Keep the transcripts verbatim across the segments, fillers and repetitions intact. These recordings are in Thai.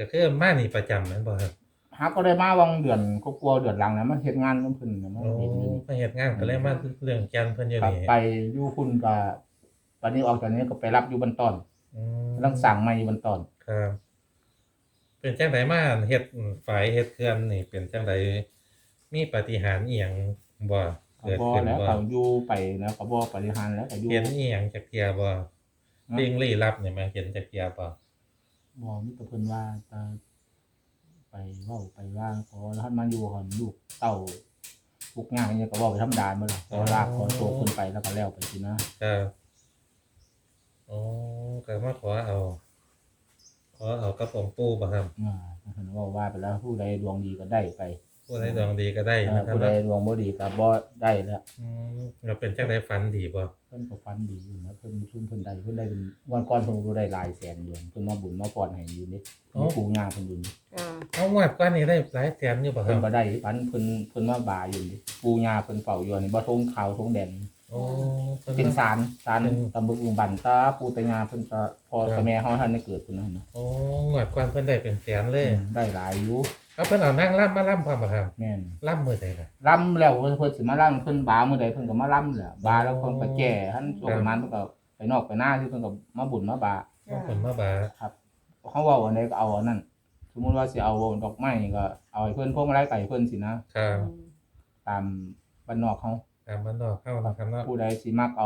ก็คือมานี่ประจำแม่นบ่ครับหาก็ได้มาวังเดือนก็กลัวเดือนหลังแล้วมันเฮ็ดงานนำเพิ่นน่ะมาโอ้เฮ็ดอยู่นี่ไปเฮ็ดงานก็เลยมาเรื่องแก่นเพิ่นอยู่ครับนี่ไปอยู่พุ่นก็ตอนนี้ออกจากนี้ก็ไปรับอยู่บันตอนอืมกำลังสร้างใหม่อยู่บันตอนครับเป็นจังไดมาเฮ็ดฝายเฮ็ดเขื่อนนี่เป็นจังไดมีปาฏิหาริย์อิหยังบ่ก็เกิดบ่ขึ้นบ่แล้วก็อยู่ไปแล้วก็บ่ปฏิหารแล้วก็อยู่เห็นอิหยังจักเที่ยบ่สิ่งลี้ลับนี่แม่เห็นจักเที่ยบ่บ่มีแต่เพิ่นว่าจะไปเว้าไปว่าขอท่านมาอยู่ก่อนลูกเต้าทุกข์ยากอิหยังก็เว้าไปธรรมดาหมดล่ะขอลากขอโตเพิ่นไปแล้วก็แล้วไปสินะครับอ๋อก็มาขอเอาขอเอากับองค์ปู่บ่ครับอ่าเพิ่นเว้าว่าไปแล้วผู้ใดดวงดีก็ได้ไปผู้ใดดวงดีก็ได้เออนะครับผู้ใดเนาะดวงบ่ดีก็บ่ได้แล้วอืมแล้วเป็นจังไดฝันดีบ่เพิ่นก็ฝันดีอยู่นะเพิ่นซุมเพิ่นได้เพิ่นได้เป็นวันก่อนเพิ่นก็ได้หลายแสนอยู่เพิ่นมาบุญมาพรให้อยู่นี่มีปู่ย่าเพิ่นอยู่นี่อ่าเอางวดก่อนนี่ได้หลายแสนอยู่บ่คเพิ่รันบบ่ได้ฝันเพิ่นเพิ่นมาบาอยู่นี่ปู่ย่าเพิ่นเฝ้าอยู่นี่บ่ทงขาวทงแดงโอ้เพิ่นเป็นศาลศาลเป็นตำบึกอุบันตาปู่ตายาเพิ่นก็พ่อกับแม่เฮาท่านได้เกิดพุ่นนั่นน่ะโอ้งวดก่อนเพิ่นได้เป็นแสนเลยได้หลายอยู่เอาเพิ่นเอานางรำมาล่ำพร้อมบ่ครับแม่นล่ำมื้อใดล่ะรำแล้วเพิ่นสิมาลํเพิ่นบามื้อใดเพิ่นก็มาลํแหละบาแล้วเพิ่นก็แก่หันช่วงประมาณเพิ่นก็ไปนอกไปหน้าที่เพิ่นก็มาบุญมาบาว่าเพิ่นมาบาครับเขาเว้าอันใดก็เอาอันนั้นสมมุติว่าสิเอาดอกไม้ก็เอาให้เพิ่นพวงมาลัยก็ให้เพิ่นสินะครับ ตามบ้านนอกเฮาตามบ้านนอกเฮานะครับเนาะผู้ใดสิมักเอา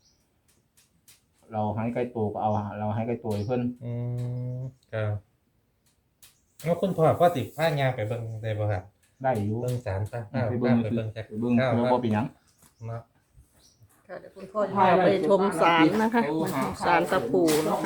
เราให้ใกล้ตัวก็เอาเราให้ใกล้ตัวให้เพิ่นอืมครับแล้วคุณพ่อพ่อสิพาย่างไปเบิ่งได้บ่ครับได้อยู่เบิ่งศาลพระพาไปไปเบิ่งเบิ่งจักไปเบิ่งข้าวเพื่อคบ่รับเป็นหยังเนาะค่ะเดี๋ยวคุณพ่อจะพาไปชมศาลนะคะศาลตะปูนะคะ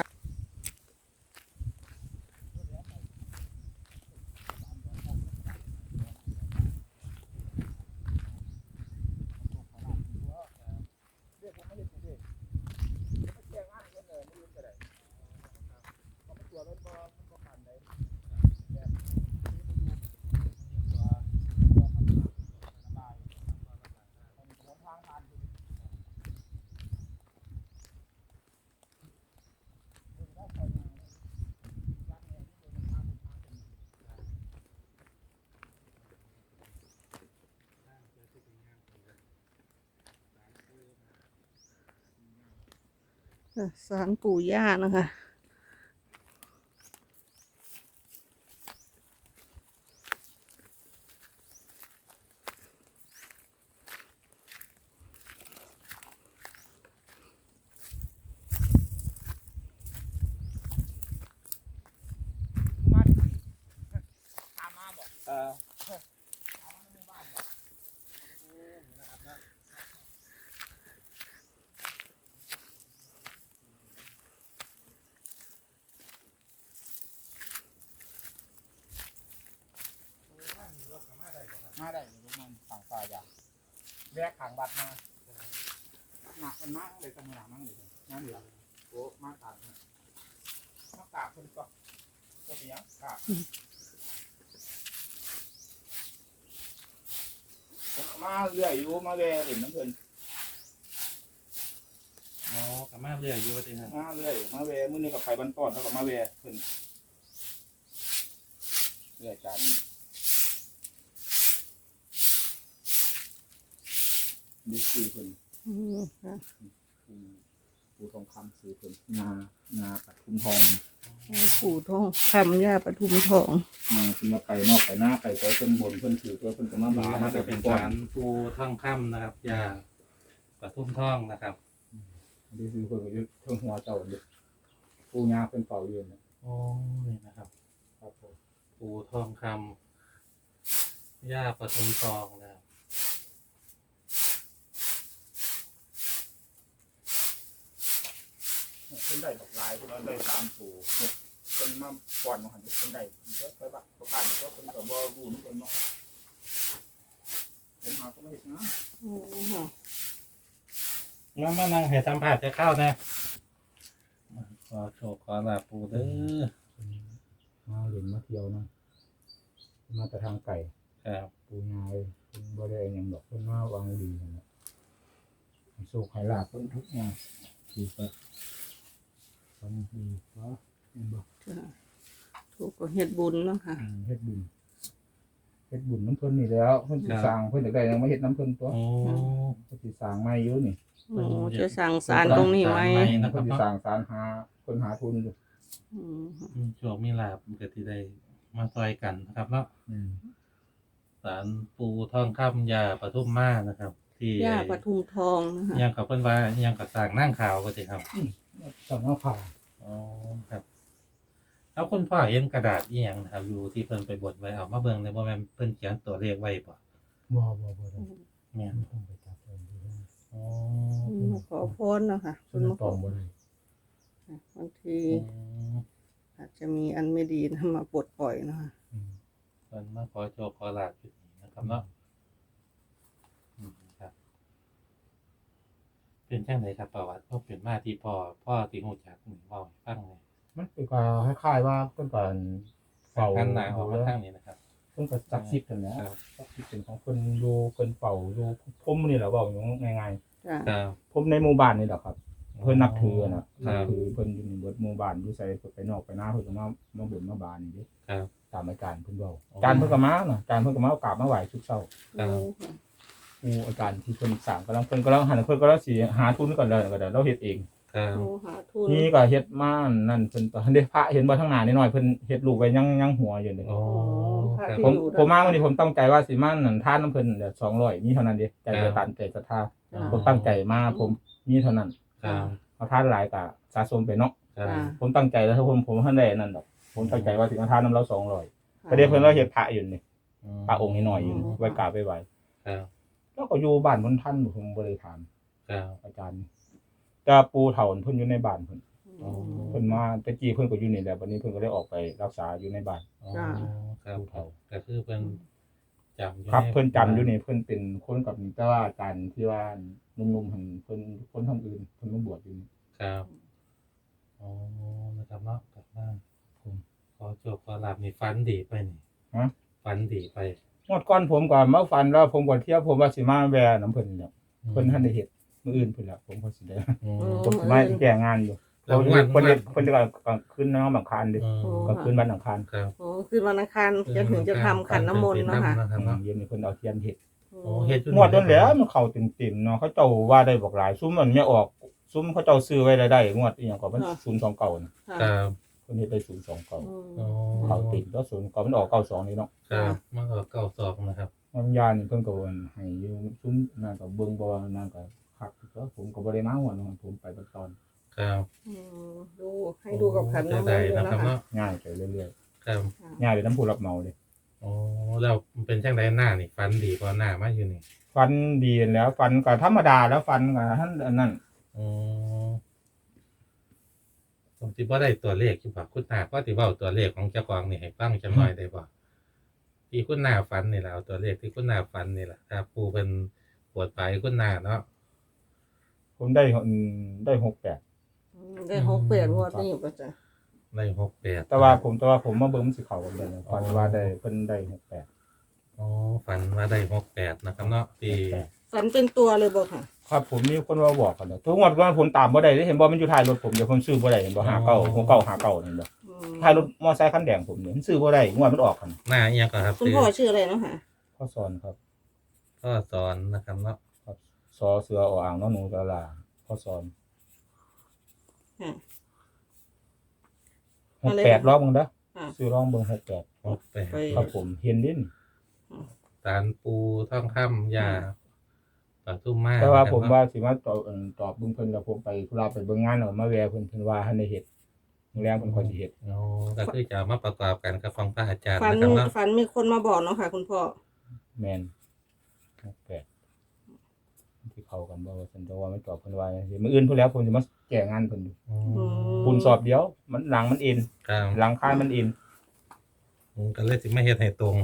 ศาลปู่ย่านะคะมาได้ลูกมันฝั่งฟ้าอย่างแวกข้างวัดมาหนักมันมากเลยตำหนักมั่งเลยนั่นเหลือโอ้มากตากมากตากเพิ่นก็ก็เป็นหยังตากผมก็มาเรื่อยอยู่มาแวเล่นน้ำเพิ่นอ๋อก็มาเรื่อยอยู่ว่าติครับมาเรื่อยมาแวมื้อนี้ก็ไปบ้านต้อนแล้วก็มาแวเพิ่นเรื่อยกันดูสื่อเพิ่นอืมค่ะคือปูทองคำสื่อเพิ่นงางาปัดทุมทองปู่ทองคำย่าปทุมทองมาคือมาไปนอกไปหน้าไปไปเพิ่นบนเพิ่นถือตัวเพิ่นก็มาบานี่มาจะแต่เป็เป็น นศาก้อนลปู่ทองคำนะครับย่าปทุมทองนะครับดูสื่อเพิ่นก็อยู่เทิงหัวเจ้าเด้ปูยาเพิ่นเป่าอยู่เนี่ยโอ้นี่นะครับครับผมปู่ทองคำย่าปทุมทองนะครับเพิ่นได้ดอกลายเพิ่นเอาได้ตามปูเพิ่นมาก่อนมาหันเพิ่นได้เพิ่นก็ไปบ้านประกาศก็เพิ่นก็บ่รู้นำเพิ่นเนาะผมหาก็ไม่เห็นนะอืมค่ะมามานั่งให้สัมภาษณ์จะเข้านะขอโชคขอลาปู่เด้อมาเล่นมาเที่ยวนะมาแต่ทางไก่ครับปูยาเพิ่นบ่ได้หยังดอกเพิ่นมาวางดีนั่นแหละให้โชคให้ลาภเพิ่นทุกอย่างคือก็ฟังดีเนาะเห็นบ่ค่ะถูกก็เฮ็ดบุญเนาะค่ะอืมเฮ็ดบุญเฮ็ดบุญน้ำเพิ่นนี่แล้วเพิ่นสิสร้างเพิ่นอยากได้หยังมาเฮ็ดน้ำเพิ่นตัวโอ้เพิ่นสิสร้างใหม่อยู่นี่โอ้จะสั่งสารตรงนี้ไหมนะคเพิ่รับนสิเนาะสร้างศาลหาเพิ่นหาทุนอยู่อืมมีโชคมีลาภก็ที่ได้มาซอยกันนะครับเนาะอืมศาลปูทองคำยาปทุมมานะครับ ที่ย่าปทุมทองนะคะยังกับเพิ่นว่ายังกับสร้างนั่งข่าวก็สิครับสำนักข่าวอ๋อครับแล้วคุณพ่อเห็นกระดาษอีหยังนะครับอยู่ที่เพิ่นไปบดไว้เอามาเบิ่งในบ่แม่นเพิ่นเขียนตัวเลขไว้บ่บ่บ่บ่ได้แม่นต้องไปจับเพิ่นดูได้อ๋ออืมขอพรเนาะค่ะเพิ่นมาตองบ่ได้บางทีอืมอาจจะมีอันไม่ดีนะมาปลดปล่อยเนาะค่ะอืมเพิ่นมาขอโชคขอลาภจุดนี้นะครับเนาะอืมครับ เป็นจังไดครับประวัติพ่อเป็นมาที่พ่อพ่อที่ฮู้จักนี่เว้าให้ฟังหน่อยมันเป็นก็คล้ายๆว่าเพิ่นก็เฝ้าหันหน้าออกมาทางนี้นะครับเพิ่นก็ศักดิ์สิทธิ์นั่นแหละครับศักดิ์สิทธิ์เป็นของเพิ่นอยู่เพิ่นเฝ้าอยู่ผมนี่แหละเว้าอย่างง่ายจ้ะครับๆผมในหมู่บ้านนี่แหละครับ เพิ่นนับถือน่ะนับถือเพิ่นอยู่ในเบิดหมู่บ้านอยู่ไสเพิ่นไปนอกไปหน้าเพิ่นก็มามาบ่นมาบานนี่เด้ครับตามอาจารย์เพิ่นเว้าอ๋ออาจารย์เพิ่นก็มาน่ะอาจารย์เพิ่นก็มากราบมาไหว้ทุกเช้าครับโอ้ค่ะครูอาจารย์ที่เพิ่นสร้างกำลังเพิ่นกำลังหันเพิ่นกำลังสิหาทุนก่อนแล้วก็ได้เราเฮ็ดเองครับโอ้หาทุนนี่ก็เฮ็ดมานั่นเพิ่นตอนเด้พระเห็นบ่ทางหน้านิดหน่อยเพิ่นเฮ็ดรูปไว้ยังยังหัวอยู่เลยอ๋อครับผมผมมาวันนี้ผมตั้งใจว่าสิมานั่นทานน้ำเพิ่นเดี๋ยวสองร้อยมีเท่านั้นเด้ใจครัจะบตันใจศรัทธาจ้ะผมตั้งใจมาผมมีเท่านั้นครับเอาทานหลายก็สะสมไปเนาะครับจ้ะผมตั้งใจแล้วถ้าผมผมทันได้นั่นดอกผมตั้งใจว่าสิมาทานน้ำเราสองร้อยก็เดี๋ยวเพิ่นเราเฮ็ดพระอยู่นี่พระองค์นิดหน่อยอยู่ไว้กราบไว้ไหว้ครับแล้วก็อยู่บ้านเพิ่นท่านผมบ่ได้ถามครับอาจารย์แต่ปูเฒ่าเพิ่นอยู่ในบ้านเพิ่นอ๋อเพิ่นมาแต่กี้เพิ่นก็อยู่นี่แหละบัดนี้เพิ่นก็ได้ออกไปรักษาอยู่ในบ้านอ๋อครับครับก็คือเพิ่นจำอยู่ครับในเพิ่นจำอยู่นี่เพิ่นเป็นคนกับนี่แต่ว่าอาจารย์ที่ว่าหนุ่มๆหั่นเพิ่นคนทางอื่นเพิ่นมาบวชอยู่นี่ครับอ๋อนะครับเนาะกลับมาผมขอโชคขอลาภนี่ฝันดีไปนี่ฮะฝันดีไปงวดก่อนผมก็มาฟันแล้วผมก็เที่ยวผมว่าสิมาแวะน้ำเพิ่นเนี่ยเพิ่นทันได้เฮ็ดมื้ออื่นเพิ่นละผมก็สิได้อืมผมสิมาแก้งานอยู่แล้วเพิ่นวันเพิ่นเฮ็ดวันเพิ่นจะก็กลางคืนน้องบังคารเด้อืมกลางคืนวันอังคารครับโอ้คืนวันอังคารจะถึงจะทำขันน้ำมนต์เนาะค่ะครับเนาะเย็นนี่เพิ่นเอาเทียนเฮ็ดโอ้เฮ็ดอยู่งวดนั้นแหล้วมันเข้าเต็มๆเนาะเขาเจ้าว่าได้บอกหลายซุ้มมันไม่ออกซุ้มเขาเจ้าซื้อไว้ได้ได้งวดอีหยังก็มันศูนย์สองเก้าน่ะค่ะครับเพิ่นเฮ็ดได้ศูนย์สองเก้าอืมอ๋อเขาติดแล้วศูนย์เก้ามันออกเก้าสองนี่เนาะครับมันก็เก้าสองนะครับมันยานี่เพิ่นก็ว่าให้อยู่ซุ้มนั่นก็เบิ่งบ่ว่านั่นก็คักก็ผมก็บ่ได้มาหัวเนาะผมไปเบัดตอนครับอืมดูให้ดูกับขันน้ำมนต์ได้ด้วยนะนะครับ คะเนาะง่ายไปเรื่อยครับๆง่ายไปน้ำผู้รับเหมาเลยโอ้แล้วเป็นจังไดหน้านี่ฝันดีกว่าหน้ามาอยู่นี่ฟันดีแล้วฟันก็ธรรมดาแล้วฟันก็ท่านอันนั้นอ๋อผมสิบ่ได้ตัวเลขอยู่บ่คุณหน้าก็สิเว้าตัวเลขของเจ้าของนี่ให้ฟังจังหน่อยได้บ่ที่คุณหน้าฝันนี่ล่ะเอาตัวเลขที่คุณหน้าฝันนี่ล่ะถ้าปู่เพิ่นปวดไปคุณหน้าเนาะผมได้อืมได้หกแปดอืมได้หกเปลี่ยนงวดนี้ก็จะได้หกแปดแต่ว่าผมแต่ว่าผมมาเบิ่งมันสิเข้ากันได้นะฟันว่าได้เพิ่นได้หกแปดอ๋อฝันว่าได้หกแปดนะครับเนาะที่ฝันเป็นตัวเลยบอกค่ะครับผมมีคนมาบอกกันเนาะทุกงวดว่าผมตามบ่ได้เห็นบ่มันอยู่ท้ายรถผมเดี๋ยวผมซื้อบ่ได้เห็นบ่ห้าเก้าหกเก้าห้าเก้านั่นบ่อืมท้ายรถมอไซค์คันแดงผมเนี่ยมันซื้อบ่ได้งวดมันออกกันหน้าอีหยังก็ครับคุณพ่อชื่ออะไรเนาะค่ะข้อสอนครับก็สอนนะครับเนาะครับซอเสือออ่างน้องหนูตะลาข้อสอนค่ะหกแปดร้องเบิ่งเด้อค่ะซื้อร้องเบิ่งหกแปดหกแปดไปครับผมเห็นดินสารปูท่องคำยาปทุมมาแต่ว่าผมนะครับว่าสิมาตอบเอิ่นตอบเบิ่งเพิ่นแล้วผมไปธุระไปเบิ่งงานแล้วมาแวะเพิ่นเพิ่นว่าทันได้เฮ็ดมื้อแรงเพิ่นค่อยสิเฮ็ดโอ้ก็คือจะเอามาประกอบกันกับของพระอาจารย์ฝันนะครับเนาะฝันมีคนมาบอกเนาะค่ะ คุณพ่อแม่นหกแปดที่เข้ากันบ่ว่าซั่นแต่ว่าไม่ตอบเพิ่นว่าสิมื้ออื่นพุ่นแล้วผมสิมาแก้งานเพิ่นอยู่อืมปูนสอบเดียว มันหลังมันเอ็นครับหลังคายมันเอ็นอืมก็เลยสิไม่เฮ็ดให้ตรง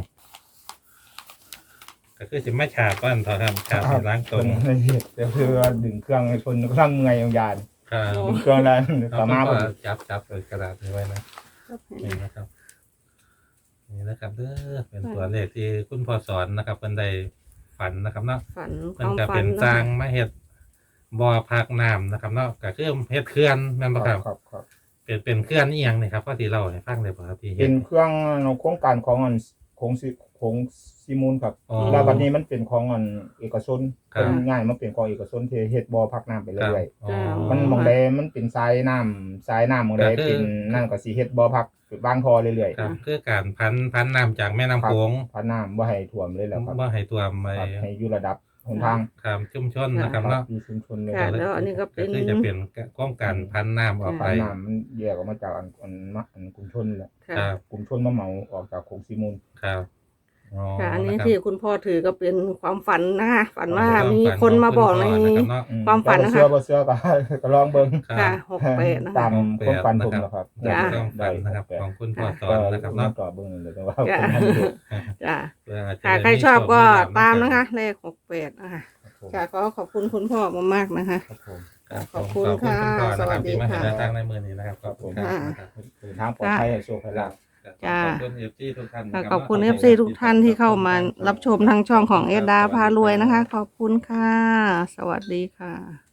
ก็คือสิไม่ฉาบก้อนเท่าครับฉาบให้ล้างตรงเพิ่นเฮ็ดแต่คือว่าดึงเครื่องให้เพิ่นกำลังเมื่อยอย่างยานครับดึงเครื่องแล้วเอาสามารถก็เพิ่นจับจับเลยกระดาษนี้ไว้นะ นี่นะครับ นี่นะครับเด้อเป็นตัวเลขที่คุณพ่อสอนนะครับเพิ่นได้ฝันนะครับเนาะฝันคมันวามก็ฝัเป็น นเนาะสร้างค่ะมาเฮ็ดบ่อพักน้ำนะครับเนาะก็คือเฮ็ดเขื่อนแม่นบ่ครับครับครับเเป็นเป็นเครื่องนี่ยังนี่ครับพ่อที่เราให้ฟังได้บ่ครับที่เป็เฮ็ดนเครื่องโครงการของอันของซิของซิมูลครับอ๋อแล้วบัดนี้มันเป็นของอันเอกชนครับเป็นง่ายมันเป็นของเอกชนที่เฮ็ดบ่อพักน้ำไปครับเรื่อยอ๋อๆมันหมองใดมันเป็นทรายน้ำทรายน้ำหมองใดก็คือเป็นนั่นก็สิเฮ็ดบ่อพักบางทอเรื่อยครับคือการพันพันน้ำจากแม่น้ำโขงๆพักน้ำบ่ให้ท่วมเลยแหล้วครับบ่ให้ท่วมไปครับให้อยู่ระดับหนทางครับชุมชนนะครับครัเนาะบอยู่ชุมชนเลยค่ะแล้วอันนี้ก็เป็นคือจะเป็นโครงการพันน้ำออกไปพันน้ำมันแยกออกมาจากอันอันมะอันกลุ่มชนแหละค่ะครับกลุ่มชนมาเหมาออกจากโคงซิมูลครับอ๋อค่ะ อันนี้ะครับที่คุณพ่อถือก็เป็นความฝันนะคะฝันว่าความมีฝัคนมาบอกในขงคุณพ่อนะครับเนาะอืความฝันนะคะแต่บ่เชื่อบ่เชื่อก็ ก็ลองเบิ่งครับค่ะหกแปดนะตาคะมความฝันผมนะครับจ้ะความฝันนะครับได้ของคุณพ่อสก็อนนะครับเนาะก็เบิ่งเลยแต่ว่าจ้ะผมไม่รู้จ้ะเพื่ออาจจะค่ะได้ใครชอบก็โชลตามลภนะคะ เลขหกแปดนะคะครับผมค่ะก็ขอบคุณคุณพ่อมากๆนะคะครับผมครับขอบคุณขอบคุณคุณพ่อค่ะนะครับสวัสดีที่มาให้ค่ะแนวทางในมือนี้นะครับขอบคุณครับค่ะนะครับเดินทางปลอดภัยให้โชคให้ลาภจ้ะขอบคุณเอฟซีทุกท่านนะค่ะรับขอบคุณขเอฟซีทุกท่านที่เข้ามารับชมทางช่องของเอดดาพารวยนะคะ ขอบคุณค่ะ สวัสดีค่ะ